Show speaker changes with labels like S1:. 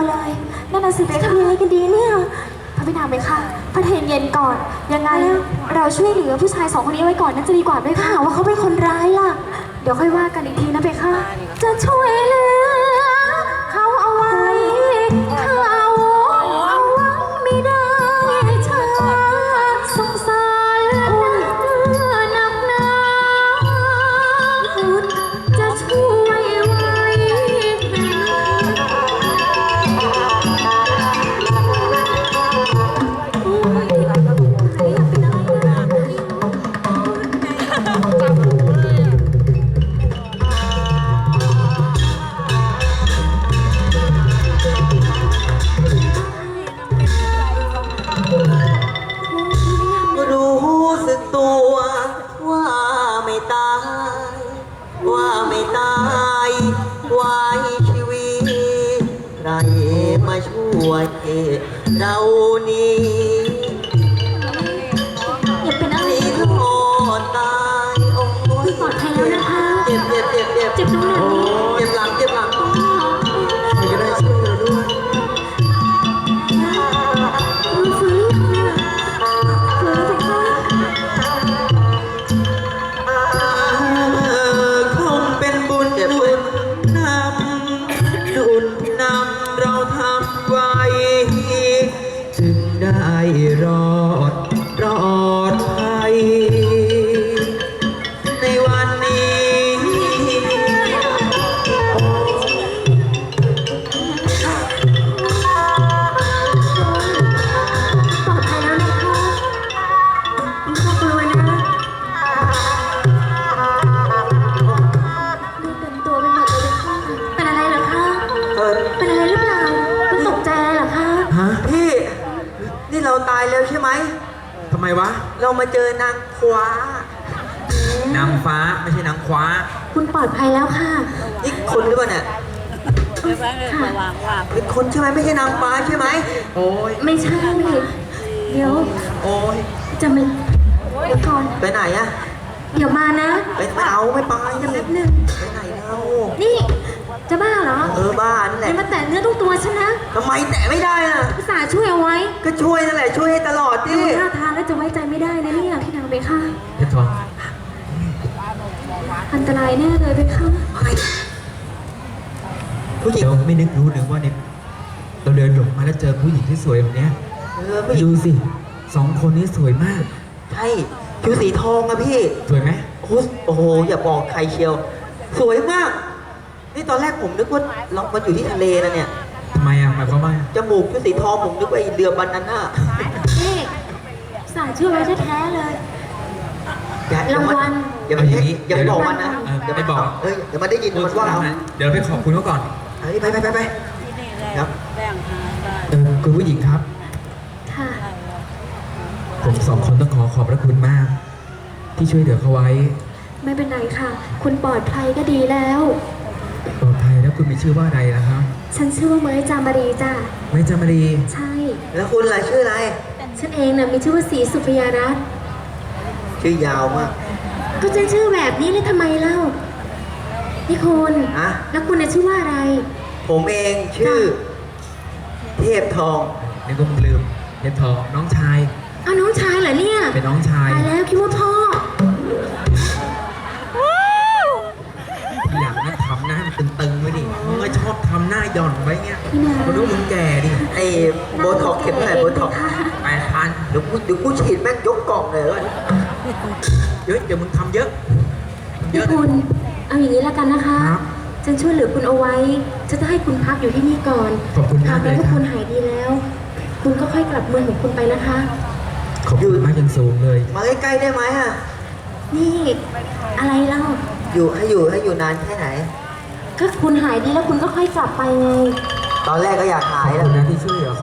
S1: เลยนั่นน่ะสิทำยังไงกันดีเนี่ยพระบิดาไหมคะพระเทนเย็นก่อนยังไงเราช่วยเหลือผู้ชาย2 คนนี้ไว้ก่อนน่าจะดีกว่าด้วยค่ะว่าเขาเป็นคนร้ายล่ะเดี๋ยวค่อยว่ากันอีกทีนะเบค่ะจะช่วยเหลือเขาเอาไว้เขาเอาไว้ไม่ได้ชาสงสารหนักหนาจะช่วยไว้
S2: รู้สึกตัวว่าไม่ตาย ว่าไม่ตายไว้ชีวิตใครมาช่วยเรานี้
S1: อย่าเป็นอะไร
S2: ให้รอดตายโอ้ย
S1: ปลอดภัยแล้วนะคะ
S2: เจ็บ
S1: เจ็บตรงไหน
S2: เจ็บหลังใครก็ได้ช่วยเราด้วย
S1: ฟื้นฟื้นแล้วเบค่ะ
S2: คงเป็นบุญนำดุลนำเราทำไว้ จึงได้รอดภัยในวันนี้
S1: ปลอดภัยแล้วนะคะไม่ต้องกลัวนะดูเต็มตัวไปหมดเลยค่ะเป็นอะไรเหรอคะเป็นอะไรหรือเปล่าคุณตกใจอะไรเหรอคะ
S2: ฮะพี่ นี่เราตายแล้วใช่ไหม
S3: ทำไมวะ
S2: เรามาเจอนางคว้าน
S3: างฟ้าไม่ใช่นางคว้า
S1: คุณปลอดภัยแล้วค่ะ
S2: นี่คนหรือเปล่าเนี่ย
S1: ค่ะ
S2: เป็นคนใช่ไหมไม่ใช่นางฟ้าใช่ไหม
S3: โอ้ย
S1: ไม่ใช่เดี๋ยว
S2: โอ้ย
S1: จะมาเดี๋ยวก่อน
S2: ไปไหนอะ
S1: เดี๋ยวมานะ
S2: ไม่เอาไม่ไป
S1: เดี๋ยวแป๊บนึง
S2: ไปไหนเรา
S1: นี่จะบ้าเหรอ
S2: บ้านนั่นแห
S1: อย่า
S2: ละ
S1: มาแตะเนื้อต้องตัวฉันนะ
S2: ทำไมแตะไม่ได้น่ะ
S1: ภาษาห์ช่วยเอาไว้
S2: ก็ช่วยนั่นแหละช่วยให้ตลอดดิ
S1: ดูท่าทางแล้วจะไว้ใจไม่ได้นะเนี่ยพี่นางเบค่ะ
S3: เพชรทอง
S1: อันตรายแน่เลยเบค่ะ
S2: ไปผู้หญิง
S3: เดี๋ยวไม่นึกรู้หรือว่าเนี่ยเราเดินหลงมาแล้วเจอผู้หญิงที่สวยแบบเนี้ย
S2: ผู้หญิ
S3: ดู
S2: ง
S3: สิ2 คนนี้สวยมาก
S2: ใช่ผิวสีทองอะพี่
S3: สวยไหม
S2: โอ้โหอย่าบอกใครเชียว สวยมาก นี่ตอนแรกผมนึกว่าเรามาอยู่ที่ทะเลนะเนี่ย
S3: ทำไมอ่ะหมายความว่า
S2: จมูกผิวสีทองผมนึกว่าไอ้เรือบานาน่า
S1: นี่ภาษาห์ช่วยไว้แท้ๆเลย รางวัล
S2: อย่าไป
S3: เอาอย่างนี้
S2: อย่าไปบอกมันนะ
S3: เดี๋ยวไม่บอก
S2: เฮ้ยเดี๋ยวมันได้ยินมันว่าเรา
S3: เดี๋ยวไปขอบคุณเขาก่อน
S2: เฮ้ยไปครับ
S3: คุณผู้หญิงครับ
S1: ค่ะ
S3: ผม2 คนต้องขอบพระคุณมาก ที่ช่วยเหลือเขาไว้
S1: ไม่เป็นไรค่ะ คุณปลอดภัยก็ดีแล้ว
S3: ปลอดภัยแล้วคุณมีชื่อว่าอะไรนะครับ
S1: ฉันชื่อว่าเมยจามารีจ้ะ
S3: ไม่จามารี
S1: ใช่
S2: แล้วคุณล่ะชื่ออะไร
S1: ฉันเองน่ะมีชื่อว่าศรีสุพยารัตน์
S2: ชื่อยาวมาก
S1: ก็จะชื่อแบบนี้เลยทำไมเล่านี่คุณ
S2: ฮะ
S1: แล้วคุณน่ะชื่อว่าอะไร
S2: ผมเองชื่อ เทพทอง
S3: นี่ก็ลืมเพชรทองน้องชาย
S1: อ้าวน้องชายเหรอเนี่ย
S3: เป็นน้องชาย
S1: ตายแล้วคิดว่าพ่อ
S3: อยากนะทำหน้ามันตึงๆไว้ดิมึงก็ชอบทำหน้าหย่อนไว้เงี้ย
S1: พี่นา
S3: คนรู้มึงแก่ดิ
S2: ไอ้โบท็อกเข็มเท่าไหร่โบท็อก
S3: 8,000
S2: เดี๋ยวกูฉีดแม่งยกกล่องเลยเว้ย
S3: เยอะเดี๋ยวมึงทำเยอะเย
S1: นี่
S3: อะ
S1: คุณเอาอย่างนี้แล้วกันนะคะ
S3: ครับ
S1: ฉันช่วยเหลือคุณเอาไว้ฉันจะให้คุณพักอยู่ที่นี่ก่อน
S3: ขอบคุณมากเลย
S1: แล้ว
S3: ครับ
S1: คุณหายดีแล้ว คุณก็ค่อยกลับเมืองของคุณไปนะคะ
S3: ขอบคุณมากอยังสูงเลย
S2: มาใกล้ๆได้ไหมอะ
S1: นี่อะไรเล่า
S2: ให้อยู่นานแค่ไหน
S1: ก็คุณหายดีแล้วคุณก็ค่อยกลับไปไง
S2: ตอนแรกก็อยากหา
S3: ขอบ
S2: ยแล้
S3: คุ
S2: ว
S3: ณนะที่ช่วยเหลือ